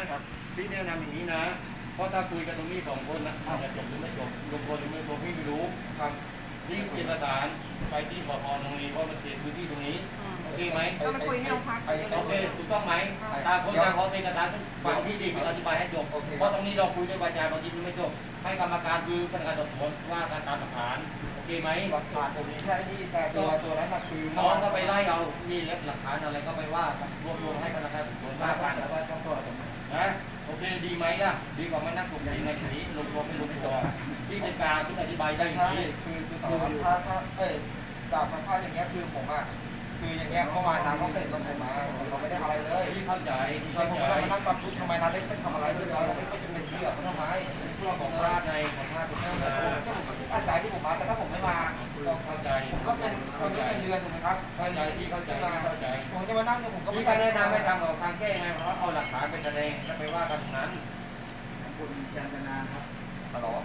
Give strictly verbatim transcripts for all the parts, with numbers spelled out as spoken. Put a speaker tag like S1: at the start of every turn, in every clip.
S1: พี่แนะนำอย่างนี้นะเพราะถ้าคุยกันตรงนี้สองคนนะอาจจะจบหรือไม่จบลงคนหรือไม่ลงพี่ไม่รู้ครับนี่เอกสารไปที่ปปนงรีเพราะมันเขตพื้นที่ตรงนี้โอเคไหม
S2: ก็มาคุยที่โรงพัก
S1: โอเคถูกต้องไหมต่างคนต่างขอเอกสารฟังพี่ดีพี่อธิบายให้จบเพราะตรงนี้เราคุยด้วยวาจาบางทีมันไม่จบให้กรรมการคือพนักงานสอบสวนว่าการตามหลักฐานโอเคไหม
S3: หลักฐานผมมีแค่นี้แต่ตัวตัวนั้นคือ
S1: น้องก็ไปไล่เอานี่เล็บหลักฐานอะไรก็ไปว่ากันรวบรวมให้พนักงานสอบสวนว่ากัน
S3: แล้วก็ต้องตัวผม
S1: นะโอเคดีไหมล่ะดีกว่ามานั่งกลุ่มนี้ในนี้ลงตัวไม่ลงตัวที่เป็นการที่อธิบายได้อย่าง
S3: ใช่
S1: นี้
S3: คือคือสารวัตรถ้าถ้าเอ้ยดาบมันถ้าอย่างเงี้ยคือผมอ่ะคืออย่างเงี้ยเขามาทางเขาเป็นเราผมมาเราไม่ได้อะไรเลย
S1: ที่เข้าใจที่
S3: เรา
S1: เข้า
S3: ผม
S1: ใจ
S3: ไม่ได้มานั่งปรับทุกทำไมนาเล็กไม่ทำอะไรเลยนาเล็กไม่จะเป็นเพื่อเขาทำไม
S1: เพื่อของพลาดในของพลาดทุกท่านนะ
S3: ก็ผมก็อาศัยที่ผมมาแต่ถ้าผมไม่มา
S1: เข้าใจ
S3: ผมก็เป็นคนที่เป็นเดือนถูกไหมครับ
S1: เข้าใจที่เข้าใจเข้าใจ
S3: ผมจะมานั่งเนี่ยผมก็
S1: พี่
S3: ไม่
S1: ก็แนะนำให้ทำออกทางแก้ไงเพราะเอาหลักฐานไปแสดงแล้วไปว่ากันตรงนั้น
S4: คุณจันทนาครับ
S3: ฮัลโหล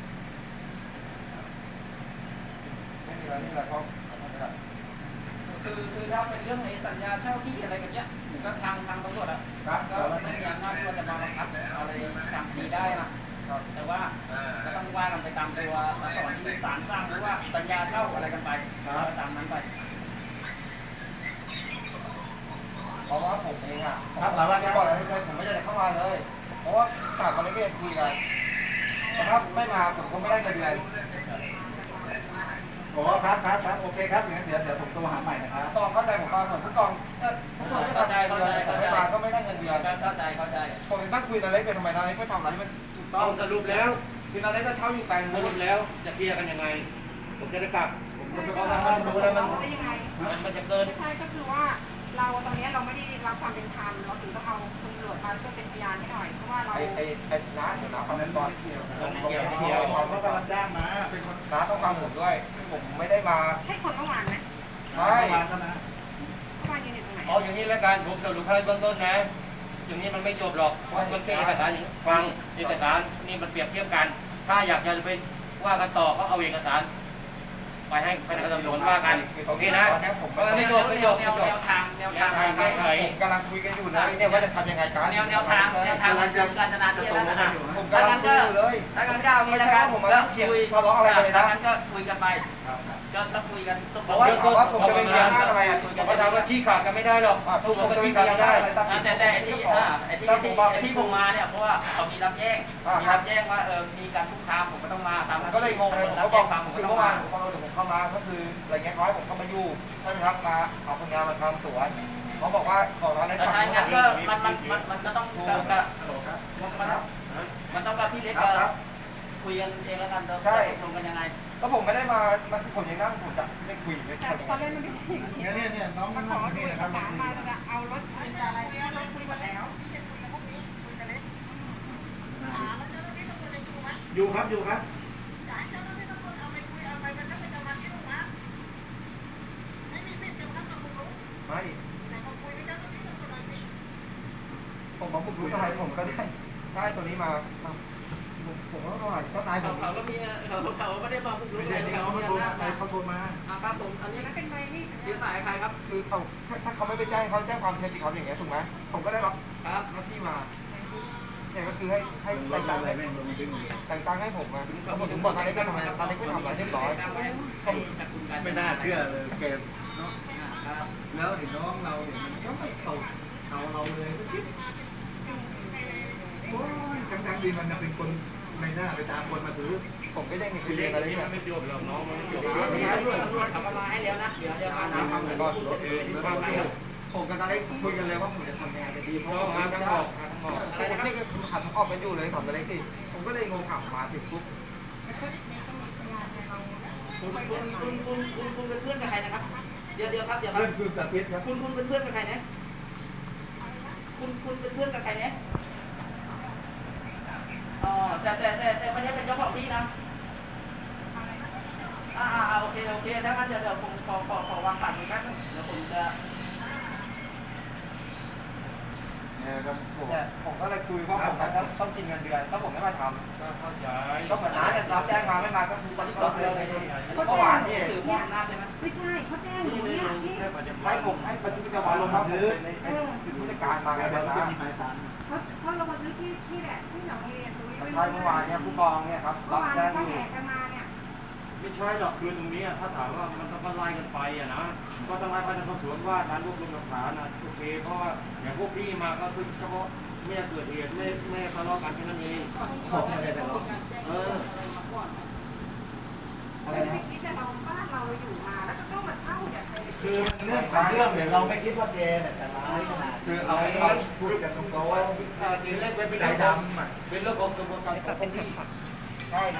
S3: ไม่มีอะไรนี่แหละเขา
S5: คือคือถ้าเป็นเรื่องในสัญญาเช่าที่อะไรกันเนี้ยก็ทางทางตำรวจอ่ะ
S4: ครับ
S5: ก็ไม่มีอำนาจที่ว่าจะมาบังคับอะไรทำดีได้นะแต่ว่าก็ต้องว่ากันไปตามตัวอักษรที่ศาลสร้างหรือว่าสัญญาเช่าอะไรกันไปก็ตามนั้นไป
S3: เพราะว่าผมเองอ่ะครับสารวัตรบอกอะไรเลยผมไม่ได้เข้ามาเลย เพราะว่าต่างกันเลยก็คุยกันแต่ถ้าไม่มาผมก็ไม่ได้เงินเดือน
S4: โอ้ครับครับครับโอเคครับอย่างนั้นเดี๋ยวเดี๋ยวผมโทรหาใหม่นะครับ
S3: ตองเข้าใจผมมาเหมือนผู้กองเออผู้กองก็ทำเงินเดือนผมไม่มาก็ไม่ได้เงินเดือน
S5: เข้าใจเข้าใจ
S3: ผมยังตั้งคุยนาเล็กเป็นทำไมนาเล็กไม่ทำอะไรที่มันถูกต้
S1: ต้
S3: อ
S1: อง งสรุปแล้ว
S3: คือนาเล็กก็เช่าอยู่แปลง
S1: ส
S3: นู้
S1: รุ
S3: น
S1: ปแล้วจะเคลียร์กันยังไงผมจะได้กลับเพราะว่ามันดูแล้วมัน
S2: ได้ยังไง
S1: มันจะเกิน
S2: ไม่ใช่ก็คือว่าเราตอนนี้เราไม่ได้รับความเป็นธรรมเราถึงต้องเอาตำรวจมาเพื่อเป็นพยานให้หน่อยเพราะว่าเรา
S3: ไอ้ไอ้ไอ้น้าเดี๋ยวน้าฟังผมก่อน
S4: เกี่ยวเกี่ยวเขากำลังจ้างมาเป็นคน
S3: น้าต้องฟังผมด้วยผมไม่ได้มา
S2: ใช่คนเมื่อวานไหม
S3: ใช่
S4: วานก็นะ
S2: เมื่อวานยืนอยู่ตรงไหน
S1: เอาอย่างนี้แล้วกันผมสรุปให้เบื้องต้นนะอย่างนี้มันไม่จบหรอกเพราะมันแค่เอกสารอย่างฟังเอกสารนี่มันเปรียบเทียบกัน ถ้าอยากจะไปว่ากันต่อก็เอาเอกสารไปให้พนักงานสอบสวนว่ากันโอเคนะเพราะไม่จบไม่จบ
S5: แน
S1: ไม่
S5: ว
S1: จบ
S5: แนวทางแนวทาง
S1: แก้ไข
S3: ผมกำลังคุยกันอยู่นะเนี่ยว่าจะทำยังไงกัน
S5: แนวแนวทางแนวทางการจนาที่แล้วนะ
S3: ผม
S5: ถ้าก
S3: ำลั
S5: งั้
S3: ง
S5: น
S3: คุ
S5: ก็
S3: ยอยู่เลย
S5: ถ้างั้นก็เอางี้ละกันก็คุยถ้างั้นก็คุยกันไปก็ต้องคุยกันต้อง
S3: เพราะว่าถามว่าผมจะเป็นพยานอะไรอ่ะ
S1: เพราะถามว่าชี้ขาดกันไม่ได้หรอก
S3: ทุ
S1: ทุ
S3: ก
S1: ก
S3: ค
S1: คน น
S3: ก็
S1: ก็
S3: มี
S1: ชี้
S3: พ
S1: ขาด
S3: ยาน
S1: ไม่
S3: ได้
S1: ได้
S3: อะไรตั้ง
S5: แต่แต่ไอ้ที่ไอ้ที่ไอ้ที่ผมมาเนี่ยเพราะว่าเขามีรับแจ้งมีรับแจ้งว่าเออมีการคุกคามผมก็ต้องมาตาม
S3: ก็เลยงงเลยผม
S5: รั
S3: ก็
S5: บบ
S3: อ
S5: แจ้
S3: ก
S5: งความผม
S3: คื
S5: ก็
S3: อ
S5: ต้อง
S3: เมื่อวา
S5: มา
S3: นผมพอเราผมเข้ามาก็คืออะไรเงี้ยเขาให้ผมเข้ามาอยู่ใช่ไหมครับมาเอาคนงานมาทำสวนเขาบอกว่าของร้านเล็ก
S5: แต่
S3: ฝั่ง
S5: ถ้า
S3: นู้
S5: งั้น
S3: น
S5: ก็มันมันมันมันก็ต้องกับกับมันมันต้องกับพี่เล็กก็คุยกันเองแล้วกันเราตรงกันยังไง
S3: ก็ผมไม่ได้มาผมยังนั่งผมจะไม่คุยไม่
S2: แต่
S3: ทำ
S2: ตอนแรกมันไม่ใช่อย่างนี้
S4: เนี่ยเนี่ยเนี่ยน้อง
S2: มา
S4: น้
S2: ข
S4: อ
S2: อง ดู
S4: นี่
S2: เอ
S4: นะ
S2: ก
S4: ครับ
S2: สารมาจะเอารถจะอะไรเราคุยหมดแล้ว
S4: อยู่ครับอยู่ครับ
S3: ไม่ผมมาบุกรุกอะไรผมก็ได้ได้ตัวนี้มาผมก็ว่าก็ตายผ
S5: เขา
S3: ม
S5: เขาก็มีเขาเขาไม่ได้มาบุกรุ
S4: ไม่
S5: ก
S4: ใช่
S5: อะไร
S4: ที่
S5: เขา
S4: เขา
S5: มี
S4: มาโทร
S5: อำนาจ
S4: เขาโทรมา
S5: อ่าครับผมอันนี้
S2: แล้วเป็นใบนี่
S5: ยืนสายใครครับ
S3: คือเขาถ้าเขาไม่ไปแจ้งเขาแจ้งความเท็จจริงเขาอย่างเงี้ยถูกไหมผมก็ได้รับ
S5: ครับ
S3: หน้าที่มาเนี่ยก็คือให้ให้แต่งตั้งให้แต่งตั้งให้ผมมาแล้วผมถึงบอกตอนนี้ก็ทำไมตอนนี้ก็ทำอะไรเรียบร้อย
S4: ไม่น่าเชื่อเลยเกมเนาะ
S5: ครับ
S4: แล้วเห็นน้องเราเนี่ยมันก็ไม่เขาเขาเราเลยก็คิดโอ้ยทั้งๆดีมันจะเป็นคนในหน้าไปตามคนมาซื้อ
S3: ผมก็ได้เงิน
S1: คือ
S3: เดื
S1: เรื่
S3: อ
S1: อน ง
S3: อะไร
S1: นี้
S3: เงี้
S1: มั
S3: ย
S1: นไม่จบหรอกน้องมันไม่จบ
S5: ตำรวจตำรวจเขาก็มาให้แล้วนะเดี๋ยวเดี๋ยวมา
S3: น้ำ
S5: น้ำ
S3: ทำเลยก่อนผมกับตาเล็กคุยกันเลยว่าผมจะทำยังไงจะดีเพราะ
S1: น้อง
S3: ผม
S1: มา
S3: ไม่
S1: ทั้ง
S3: ได้
S1: ออกมาทั้งออก
S3: อะไรนะนี่ก็คือหันออกกันอยู่เลยถามตาเล็กสิผมก็เลยงงถามมาถึงปุ๊บ
S5: คุณคุณคุณคุณคุณคุณเป็นเพื่อนกับใครนะครับเดี๋ยวเดี๋ยวครับเดี๋ยวครั
S4: เพื่อบ นคือตัดเพชรครับ
S5: คุณคุณเป็นเพื่อนกับใครนะคุณคุณเป็นเพื่อนกับใครนะอ๋อแต่แต่แต่แต่ไม่ใช่เป็นเจ้าของที่นะอ่าอ่าโอเคโอเคถ้างั้นเดี๋ยวเดี๋ยวผมขอขอขอวางสายมือแป๊บนึงเดี๋ยวผมจะ
S4: เนี่ยครับผม
S3: เนี่ยผมก็เลยคุยว่าผมต้องกินเงินเดือนถ้าผมไม่มาท
S1: ก็เข้าใจ
S3: ำก็เหมือนน้าเนี่ยรับแจ้งมาไม่มาก็คือตอนที่รับเลยเมื่อวานนี่
S5: สื่อมองหน้าใช่ไหม
S2: ไม่ใช่เขาแจ้งหนูเนี่ยพี่
S3: ให้ผมให้บันทึกประจำวันลงมาผมเป็นในเป็นผู้จัดการมาไง
S4: แต่
S3: นะ
S4: ว่าจะมีหมายสาร
S2: เขาเขาลงบัน
S3: ใช่เมื่อวานเนี่ยผู้กองเนี่ยครับ
S2: เมื่
S3: รั
S2: อบ วาน
S3: แจ้ง
S2: เขา
S3: อยู่
S2: แห่กันมาเนี่ย
S1: ไม่ใช่หรอกคือตรงนี้อะถ้าถามว่ามันต้องก็ไล่กันไปอะนะก็ต้องไล่ไปในสอบสวนว่าการรวบรวมหลักฐานนะโอเคเพราะว่าอย่างพวกพี่มาก็คือเฉพาะไม่เกิดเหตุไม่ไม่ทะเลาะกันแค่นั้นเอง
S4: ของอะไรแต่เรา
S1: เออ
S4: อะไร
S2: ไม่
S4: นะ
S2: คิดแต่เราบ้านเราอยู่มาแล้วก็ต้องมาเช่าเนี่ยใคร
S4: คือมันเรื่องของเรื่องเนี่ยเราไม่คิดว่าแกเนี่ยจะร้ายขนาด
S3: คือเอาเอาพูดกันตรงๆว่า
S1: เออนี่เล่นเป็น
S4: ใจ
S1: เรื่องของ
S4: ดำอ่ะ
S1: เป็นเรื่องของกระบวนการของพวกพี่
S3: ใช่